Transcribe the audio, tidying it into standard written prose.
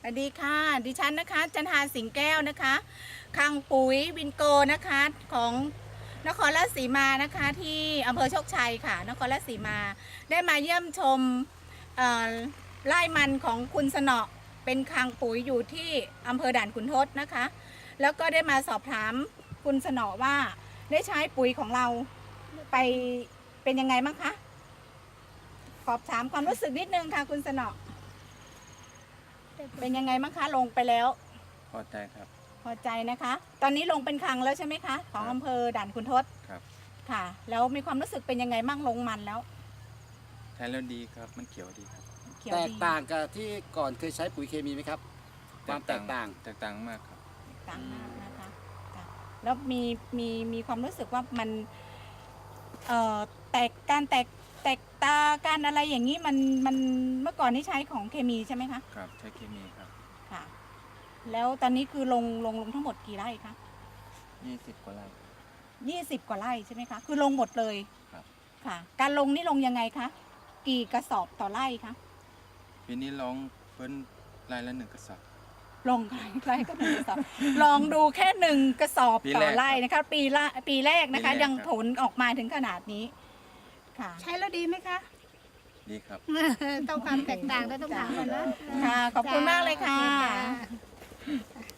วัสดีค่ะดิฉันนะคะจันทาสิงแก้วนะคะคลังปุ๋ยวินโกนะคะของนครราชสีมานะคะที่อำเภอโชคชัยค่ะนครราชสีมาได้มาเยี่ยมชมไร่มันของคุณสนอเป็นคลังปุ๋ยอยู่ที่อำเภอด่านขุนทดนะคะแล้วก็ได้มาสอบถามคุณสนอว่าได้ใช้ปุ๋ยของเราไปเป็นยังไงบ้างคะสอบถามความรู้สึกนิดนึงค่ะคุณสนอเป็นยังไงบ้างคะลงไปแล้วพอใจครับพอใจนะคะตอนนี้ลงเป็นครั้งแล้วใช่ไหมคะของอำเภอด่านขุนทดครับค่ะแล้วมีความรู้สึกเป็นยังไงบ้างลงมันแล้วใช้แล้วดีครับมันเขียวดีครับแตกต่างกับที่ก่อนเคยใช้ปุ๋ยเคมีไหมครับความแตกต่างมากครับต่างมากนะคะแล้วมีความรู้สึกว่ามันแตกตาการอะไรอย่างนี้มันเมื่อก่อนนี่ใช้ของเคมีใช่ไหมคะครับใช้เคมีครับค่ะแล้วตอนนี้คือลงทั้งหมดกี่ไร่คะ 20 กว่าไร่ 20 กว่าไร่ใช่ไหมคะคือลงหมดเลยครับค่ะการลงนี่ลงยังไงคะกี่กระสอบต่อไร่คะปีนี้ลองเพิ่นไร่ละ1 กระสอบลงไร่ก็1 กระสอบลองดูแค่1 กระสอบต่อไร่นะคะปีแรกนะคะยังผลออกมาถึงขนาดนี้ค่ะใช้แล้วดีไหมคะดีครับต้องความแตกต่างต้องถามกันนะค่ะขอบคุณมากเลยค่ะ